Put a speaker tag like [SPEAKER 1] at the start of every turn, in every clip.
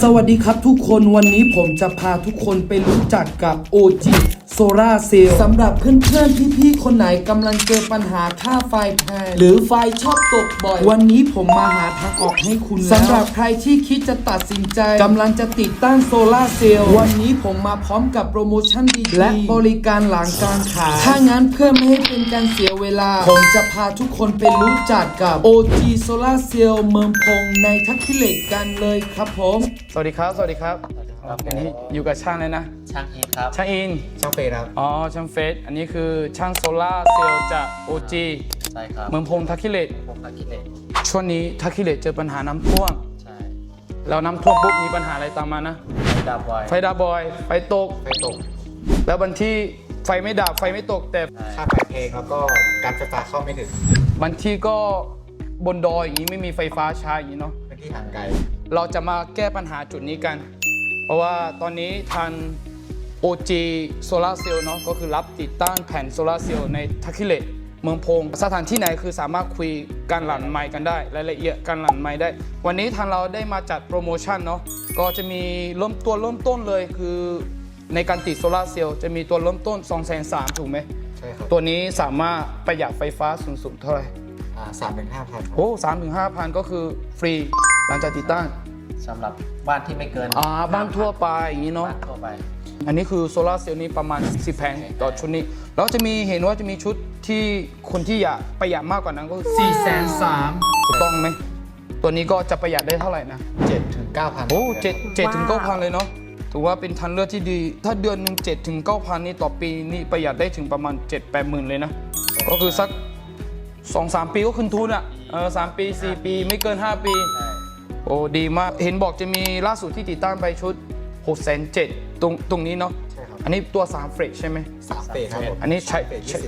[SPEAKER 1] สวัสดีครับทุกคนวันนี้ผมจะพาทุกคนไปรู้จักกับ OG Solar Cell สำหรับเพื่อนๆพี่ๆคนไหนกำลังเจอปัญหาค่าไฟแพงหรือไฟชอบตกบ่อยวันนี้ผมมาหาทางออกให้คุณสำหรับใครที่คิดจะตัดสินใจกำลังจะติดตั้งโซลาร์เซลล์วันนี้ผมมาพร้อมกับโปรโมชั่นดีๆและบริการหลังการขายถ้างั้นเพื่อไม่ให้เป็นการเสียเวลาผมจะพาทุกคนไปรู้จักกับ OG Solar Cell เมืองพงในทักษิเหล็กกันเลยครับผมสวัสดีครับอันนี้อยู่กับช่างเลยนะ
[SPEAKER 2] ช่างอินครับ
[SPEAKER 1] ช่างอิน
[SPEAKER 2] ช่างเฟสครับ
[SPEAKER 1] อ๋อช่างเฟสอันนี้คือช่างโซล่าเซลล์จาก OG
[SPEAKER 2] ใช่ครับ
[SPEAKER 1] เมืองพงทักษิเหล็กช่วงนี้ทักษิเหล็กเจอปัญหาน้ำท่วม
[SPEAKER 2] ใช่
[SPEAKER 1] แล้วน้ำท่วมปุ๊บมีปัญหาอะไรตามมานะ
[SPEAKER 2] ไฟดับบ่อย
[SPEAKER 1] ไฟตกแล้วบางที่ไฟไม่ดับไฟไม่ตกแต่
[SPEAKER 2] ค่าไฟแพงแล้วก็การไฟฟ้าเข้าไม่ถึง
[SPEAKER 1] บางที่ก็บนดอยอย่างนี้ไม่มีไฟฟ้าใช้อย่างนี้เนาะ
[SPEAKER 2] เป็นที่ห่างไกล
[SPEAKER 1] เราจะมาแก้ปัญหาจุดนี้กันเพราะว่าตอนนี้ทาง OG Solar Cell เนาะก็คือรับติดตั้งแผ่นโซลาร์เซลล์ในทักษิเหล็กเมืองพงสถานที่ไหนคือสามารถคุยกันหลังไมค์กันได้รายละเอียดกันหลังไมค์ได้วันนี้ทางเราได้มาจัดโปรโมชั่นเนาะก็จะมีเริ่มต้นเลยคือในการติดโซลาร์เซลล์จะมีตัวเริ่มต้น 230,000 ถูกไหม
[SPEAKER 2] ใช่ครับ
[SPEAKER 1] ตัวนี้สามารถประหยัดไฟฟ้าสูงสุดเท่าไหร่
[SPEAKER 2] 3-5,000
[SPEAKER 1] โอ้ 3-5,000 ก็คือฟรีหลังจากติดตั้ง
[SPEAKER 2] สำหรับบ้านที่ไม่เกิน
[SPEAKER 1] บ้านทั่วไปอย่างนี้เนาะ
[SPEAKER 2] บ้านทั่วไป
[SPEAKER 1] อันนี้คือโซลาร์เซลล์นี้ประมาณ10 แผงต่อชุดนี้แล้วจะมีเห็นว่าจะมีชุดที่คนที่อยากประหยัดมากกว่านั้นก็430,000ถูกต้องไหมตัวนี้ก็จะประหยัดได้เท่าไหร่นะ
[SPEAKER 2] 7-9,000
[SPEAKER 1] โอ้7-9,000เลยเนาะถือว่าเป็นทางเลือกที่ดีถ้าเดือนหนึ่ง7-9,000นี่ต่อปีนี่ประหยัดได้ถึงประมาณ 7-8 หมื่นเลยนะก็คือสัก 2-3 ปีก็คืนทุนอ่ะ3 ปี4 ปีไม่เกิน5 ปีโอ้ดีมากเห็นบอกจะมีล่าสุดที่ติดตั้งไปชุด670,000ตรงนี้เนาะ
[SPEAKER 2] ใช่ครับ
[SPEAKER 1] อันนี้ตัว3 เฟรชใช่ไหม
[SPEAKER 2] 3 เฟรชครับผม
[SPEAKER 1] อันนี้ใช้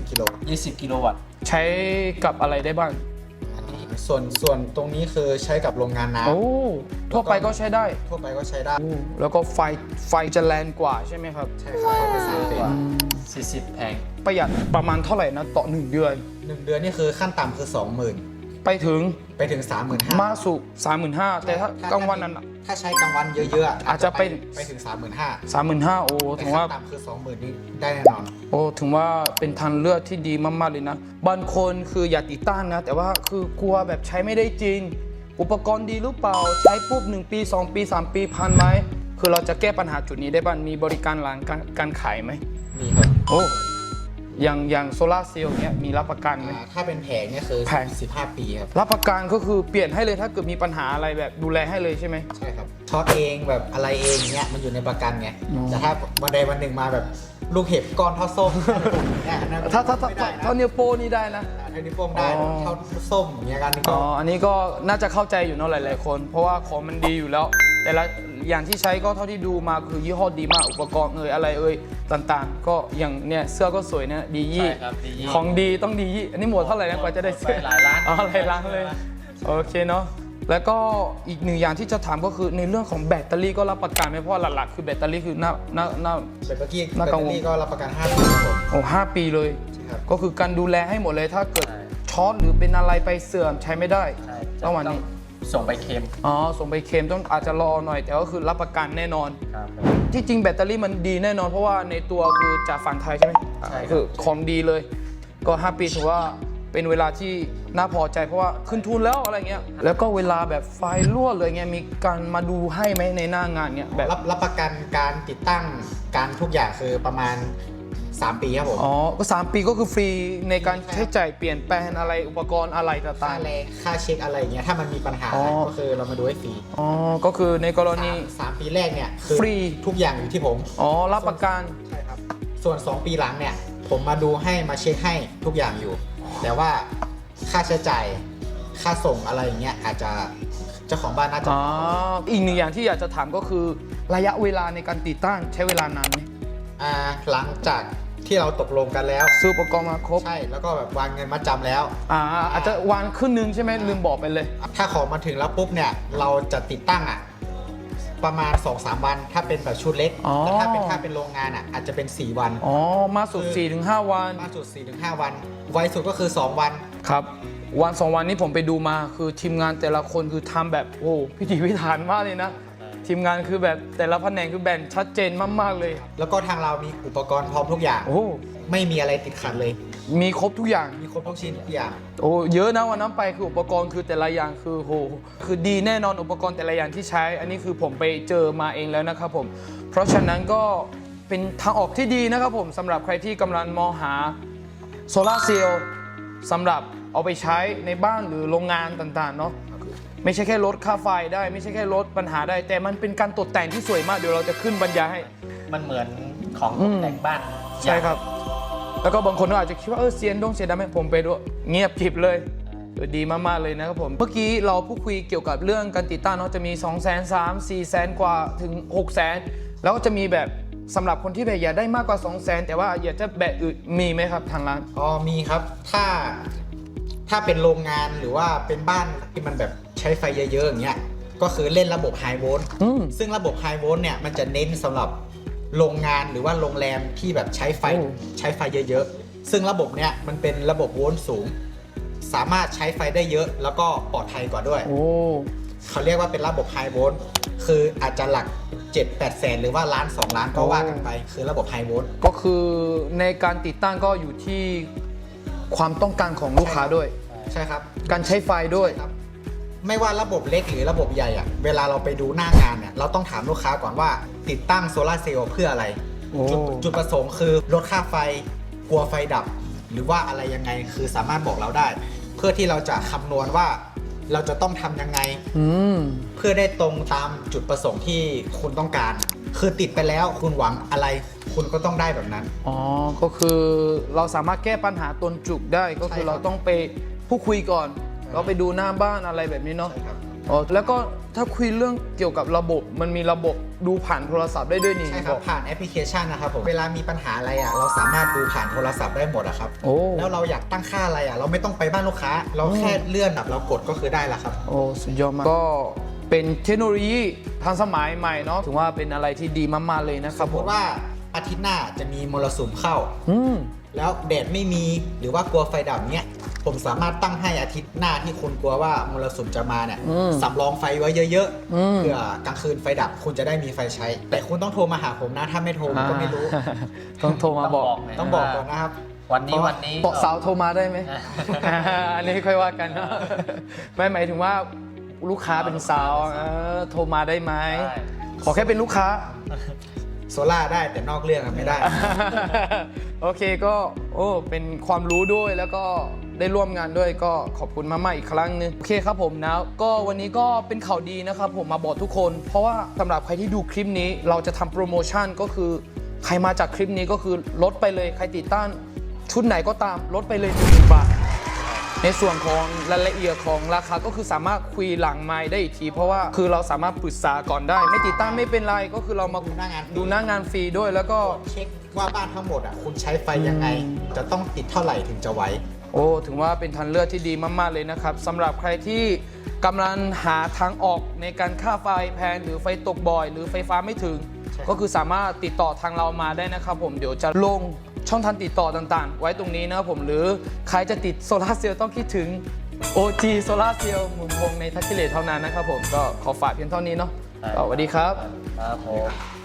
[SPEAKER 2] 20 กิโลวัตต์
[SPEAKER 1] ใช้กับอะไรได้บ้าง
[SPEAKER 2] อันนี้ส่วนตรงนี้คือใช้กับโรงงานน้ำ
[SPEAKER 1] โอ้ทั่วไปก็ใช้ได้แล้วก็ไฟจะแรงกว่าใช่ไหมครับ
[SPEAKER 2] ใช่ครับเป็น3 เฟรช40 แผง
[SPEAKER 1] ประหยัดประมาณเท่าไหร่นะต่อ1 เดือน
[SPEAKER 2] 1 เดือนนี่คือขั้นต่ำคือ 20,000
[SPEAKER 1] ไปถึง
[SPEAKER 2] 35,000
[SPEAKER 1] มาสู่ 35,000แต่ถ้ากลางวันนั้น
[SPEAKER 2] ถ้าใช้กลางวันเยอะๆ
[SPEAKER 1] อาจจะไป
[SPEAKER 2] ถึง 35,000
[SPEAKER 1] โอ้ถึงว่า
[SPEAKER 2] ต่ำคือ 20,000นี่ได้แน่นอน
[SPEAKER 1] โอ้ถึงว่าเป็นทางเลือกที่ดีมากๆเลยนะบางคนคืออยากติดตั้งนะแต่ว่าคือกลัวแบบใช้ไม่ได้จริงอุปกรณ์ดีหรือเปล่าใช้ปุ๊บ1 ปี 2 ปี 3 ปีพันไหมคือเราจะแก้ปัญหาจุดนี้ได้บ้างมีบริการหลังการขายไหม
[SPEAKER 2] มีครับ
[SPEAKER 1] โอ้อย่างโซลาร์เซลล์เนี้ยมีรับประกันไหม
[SPEAKER 2] ถ้าเป็นแผงเนี่ยคือ
[SPEAKER 1] แผง
[SPEAKER 2] 15 ปีครับ
[SPEAKER 1] รับประกันก็คือเปลี่ยนให้เลยถ้าเกิดมีปัญหาอะไรแบบดูแลให้เลยใช่ไหม
[SPEAKER 2] ใช่ครับช็อตเองแบบอะไรเองเนี้ยมันอยู่ในประกันไงแต่ถ้าวันใดวันหนึ่งมาแบบลูกเห็บก้อนเท่าส้มเนี่ย
[SPEAKER 1] ถ้านิ้วโป้นี่ได้นะ
[SPEAKER 2] ถ้านิ้วโป้งได้เท่าส้มอย่างเงี้ยกันก็
[SPEAKER 1] อันนี้ก็น่าจะเข้าใจอยู่เนาะหลายๆคนเพราะว่าของมันดีอยู่แล้วแต่ละอย่างที่ใช้ก็เท่าที่ดูมาคือยี่ห้อดีมากอุปกรณ์อะไรต่างๆก็อย่างเนี่ยเสื้อก็สวยนะดียี่ของดีต้องดียี่อันนี้หมดเท่าไหร่นะกว่าจะได้เสื้อ
[SPEAKER 2] หลายล้าน
[SPEAKER 1] หลายล้านเลยโอเคเนาะแล้วก็อีกหนึ่งอย่างที่จะถามก็คือในเรื่องของแบตเตอรี่ก็รับประกันไหมเพราะหลักๆคือแบตเตอรี่คือหน้า
[SPEAKER 2] แบตเตอรี่ก็รับประกัน5 ปีครับผม
[SPEAKER 1] โอ้5 ปีเลยก็คือการดูแลให้หมดเลยถ้าเกิดช็อตหรือเป็นอะไรไปเสื่อมใช้ไม่ได้
[SPEAKER 2] ต้องวันนี้ส่งไปเคลม
[SPEAKER 1] ส่งไปเคลมต้องอาจจะรอหน่อยแต่ก็คือรับประกันแน่นอนที่จริงแบตเตอรี่มันดีแน่นอนเพราะว่าในตัวคือจากฝั่งไทยใช่ไหม
[SPEAKER 2] ใช่
[SPEAKER 1] คือของดีเลยก็5 ปีถือว่าเป็นเวลาที่น่าพอใจเพราะว่าขึ้นทุนแล้วอะไรเงี้ยแล้วก็เวลาแบบไฟรั่วเลยเงี้ยมีการมาดูให้ไหมในหน้างานเงี้ยแบบ
[SPEAKER 2] รับประกันการติดตั้งการทุกอย่างคือประมาณ3 ปีครับผม
[SPEAKER 1] ก็3 ปีก็คือฟรีในการใช้จ่ายเปลี่ยนแปลงอะไรอุปกรณ์อะไรต่างๆ
[SPEAKER 2] ค่าแรงค่าเช็คอะไรอย่างเงี้ยถ้ามันมีปัญหาก็คือเรามาดูให้ฟรี
[SPEAKER 1] ก็คือในกรณี
[SPEAKER 2] 3 ปีแรกเนี่ยคือ
[SPEAKER 1] ฟรี
[SPEAKER 2] ทุกอย่างอยู่ที่ผม
[SPEAKER 1] รับประกัน
[SPEAKER 2] ใช่ครับส่วน2 ปีหลังเนี่ยผมมาดูให้มาเช็คให้ทุกอย่างอยู่แต่ว่าค่าใช้จ่ายค่าส่งอะไรอย่างเงี้ยอาจจะเจ้าของบ้านน่าจะ
[SPEAKER 1] อีกหนึ่งอย่างที่อยากจะถามก็คือระยะเวลาในการติดตั้งใช้เวลานานไหม
[SPEAKER 2] หลังจากที่เราตกลงกันแล้ว
[SPEAKER 1] ซื้ออุปกรณ์มาครบ
[SPEAKER 2] ใช่แล้วก็แบบวางเงินมาจำแล้ว
[SPEAKER 1] อาจจะวางครึ่งนึงใช่ไหมลืมบอกไปเลย
[SPEAKER 2] ถ้าของมาถึงแล้วปุ๊บเนี่ยเราจะติดตั้งประมาณ 2-3 วันถ้าเป็นแบบชุดเล็กแต่ถ้าเป็นโรงงานอาจจะเป็น4 วัน
[SPEAKER 1] มาสุด 4-5 วัน
[SPEAKER 2] มาสุด 4-5 วันไวสุดก็คือ2 วัน
[SPEAKER 1] ครับวัน 2 วันนี้ผมไปดูมาคือทีมงานแต่ละคนคือทำแบบพิถีพิถันมากเลยนะทีมงานคือแบบแต่ละแผนกคือแบ่งชัดเจนมากๆเลย
[SPEAKER 2] แล้วก็ทางเรามีอุปกรณ์พร้อมทุกอย่าง
[SPEAKER 1] โอ้
[SPEAKER 2] ไม่มีอะไรติดขัดเลย
[SPEAKER 1] มีครบทุกอย่าง
[SPEAKER 2] มีครบทุกชิ้นทุกอย่าง
[SPEAKER 1] โอ้เยอะนะวันนั้นไปคืออุปกรณ์คือแต่ละอย่างคือโหคือดีแน่นอนอุปกรณ์แต่ละอย่างที่ใช้ อันนี้คือผมไปเจอมาเองแล้วนะครับผมเพราะฉะนั้นก็เป็นทางออกที่ดีนะครับผมสำหรับใครที่กำลังมองหาโซลาร์เซลล์สำหรับเอาไปใช้ในบ้านหรือโรงงานต่างๆเนาะไม่ใช่แค่ลดค่าไฟได้ ไม่ใช่แค่ลดปัญหาได้ แต่มันเป็นการตกแต่งที่สวยมากเดี๋ยวเราจะขึ้นบรรยายให้
[SPEAKER 3] มันเหมือนของตกแต่งบ้าน
[SPEAKER 1] ใช่ครับ แล้วก็บางคนก็อาจจะคิดว่าเสียงดงเสียงดังไหมผมไปด้วยเงียบกริบเลยดีมากๆเลยนะครับผมเมื่อกี้เราพูดคุยเกี่ยวกับเรื่องการติดตั้งเนาะจะมี 200,000 3 400,000 กว่าถึง 600,000 แล้วก็จะมีแบบสำหรับคนที่แบบอยากได้มากกว่า 200,000 แต่ว่าอยากจะแบบอื่นมีไหมครับทางร้าน
[SPEAKER 2] อ๋อมีครับถ้าเป็นโรงงานหรือว่าเป็นบ้านที่มันแบบใช้ไฟเยอะๆอย่างเงี้ยก็คือเล่นระบบไฮโวลต์ซึ่งระบบไฮโวลต์เนี่ยมันจะเน้นสำหรับโรงงานหรือว่าโรงแรมที่แบบใช้ไฟเยอะๆซึ่งระบบเนี้ยมันเป็นระบบโวลต์สูง สามารถใช้ไฟได้เยอะแล้วก็ปลอดภัยกว่าด้วย
[SPEAKER 1] โอ้
[SPEAKER 2] เขาเรียกว่าเป็นระบบไฮโวลต์คืออาจจะหลัก 7-8 แสนหรือว่าล้าน2ล้านก็ว่ากันไป คือระบบไฮโวลต์
[SPEAKER 1] ก็คือในการติดตั้งก็อยู่ที่ความต้องการของลูกค้าด้วย
[SPEAKER 2] ใช่ครับ
[SPEAKER 1] การใช้ไฟด้วย
[SPEAKER 2] ครับไม่ว่าระบบเล็กหรือระบบใหญ่อะเวลาเราไปดูหน้างานเนี่ยเราต้องถามลูกค้าก่อนว่าติดตั้งโซลาร์เซลล์เพื่ออะไร
[SPEAKER 1] โอ้
[SPEAKER 2] จุดประสงค์คือลดค่าไฟกลัวไฟดับ หรือว่าอะไรยังไงคือสามารถบอกเราได้ เพื่อที่เราจะคำนวณว่าเราจะต้องทำยังไง เพื่อได้ตรงตามจุดประสงค์ที่คุณต้องการ คือติดไปแล้วคุณหวังอะไร คุณก็ต้องได้แบบนั้น
[SPEAKER 1] อ๋อ ก็คือเราสามารถแก้ปัญหาตนจุกได้ก็คือ
[SPEAKER 2] ใช่ครับ
[SPEAKER 1] เราต้องไปพูดคุยก่อน เราไปดูหน้าบ้านอะไรแบบนี้เนาะ
[SPEAKER 2] ใช่ครับ
[SPEAKER 1] อ๋อแล้วก็ถ้าคุยเรื่องเกี่ยวกับระบบมันมีระบบดูผ่านโทรศัพท์ได้ด้วยนี่
[SPEAKER 2] ใช่ครับผ่านแอปพลิเคชันนะครับผมเวลามีปัญหาอะไรอ่ะเราสามารถดูผ่านโทรศัพท์ได้หมดอะครับ
[SPEAKER 1] โอ้
[SPEAKER 2] แล้วเราอยากตั้งค่าอะไรอ่ะเราไม่ต้องไปบ้านลูกค้า เราแค่เลื่อนแบบเรากดก็คือได้ละครับ
[SPEAKER 1] โอ้สุดยอดมากก็เป็นเทคโนโลยีทันสมัยใหม่เนาะถือว่าเป็นอะไรที่ดีมากๆเลยนะค
[SPEAKER 2] ส
[SPEAKER 1] รับ
[SPEAKER 2] ม
[SPEAKER 1] ผม
[SPEAKER 2] ติว่าอาทิตย์หน้าจะมีมรสุมเข้า
[SPEAKER 1] อืม
[SPEAKER 2] แล้วแดดไม่มีหรือว่ากลัวไฟดับเนี้ยผมสามารถตั้งให้อาทิตย์หน้าที่คุณกลัวว่ามรสุมจะมาเนี่ยสำรองไฟไว้เยอะๆเพื่อกลางคืนไฟดับคุณจะได้มีไฟใช้ แต่คุณต้องโทรมาหาผมนะถ้าไม่โทรผมก็ไม่รู้
[SPEAKER 1] ต้องโทรมาบอก
[SPEAKER 2] ต้องบอกก่อนนะครับ
[SPEAKER 3] วันนี้
[SPEAKER 1] เปาะสาวโทรมาได้ไหม อันนี้ค่อยว่ากันนะไม่หมายถึงว่าลูกค้าเป็นสาวโทรมาได้ไหม
[SPEAKER 3] ได้
[SPEAKER 1] ขอแค่เป็นลูกค้า
[SPEAKER 2] โซล่าได้แต่นอกเรื่องอะไม่ได้
[SPEAKER 1] โอเคก็โอ้เป็นความรู้ด้วยแล้วก็ได้ร่วมงานด้วยก็ขอบคุณมากๆอีกครั้งหนึงโอเคครับผมนะก็วันนี้ก็เป็นข่าวดีนะครับผมมาบอกทุกคน เพราะว่าสำหรับใครที่ดูคลิปนี้เราจะทำโปรโมชั่นก็คือใครมาจากคลิปนี้ก็คือลดไปเลยใครติดตั้งชุดไหนก็ตามลดไปเลย1,000 บาท ในส่วนของรายละเอียดของราคาก็คือสามารถคุยหลังไมค์ได้อีกที เพราะว่าคือเราสามารถปรึกษาก่อนได้ ไม่ติดตั้งไม่เป็นไรก็คือเรามา
[SPEAKER 2] ดูหน้างาน
[SPEAKER 1] ดูหน้างานฟรีด้วยแล้วก็
[SPEAKER 2] เช็คว่าบ้านทั้งหมดอ่ะคุณใช้ไฟยังไง จะต้องติดเท่าไหร่ถึงจะไหว
[SPEAKER 1] โอ้ถึงว่าเป็นทางเลือกที่ดีมากๆเลยนะครับสำหรับใครที่กำลังหาทางออกในการค่าไฟแพงหรือไฟตกบ่อย หรือไฟฟ้าไม่ถึง
[SPEAKER 2] ใช่
[SPEAKER 1] ก็คือสามารถติดต่อทางเรามาได้นะครับผมเดี๋ยวจะลงช่องทางติดต่อต่างๆ ไว้ตรงนี้นะครับผมหรือใครจะติดโซลาร์เซลล์ต้องคิดถึง OG โซลาร์เซลล์หมุนวงในทัชกิเลตเท่านั้นนะครับผมก็ขอฝากเพียงเท่านี้เนาะสวัสดีครับ
[SPEAKER 3] ครับผม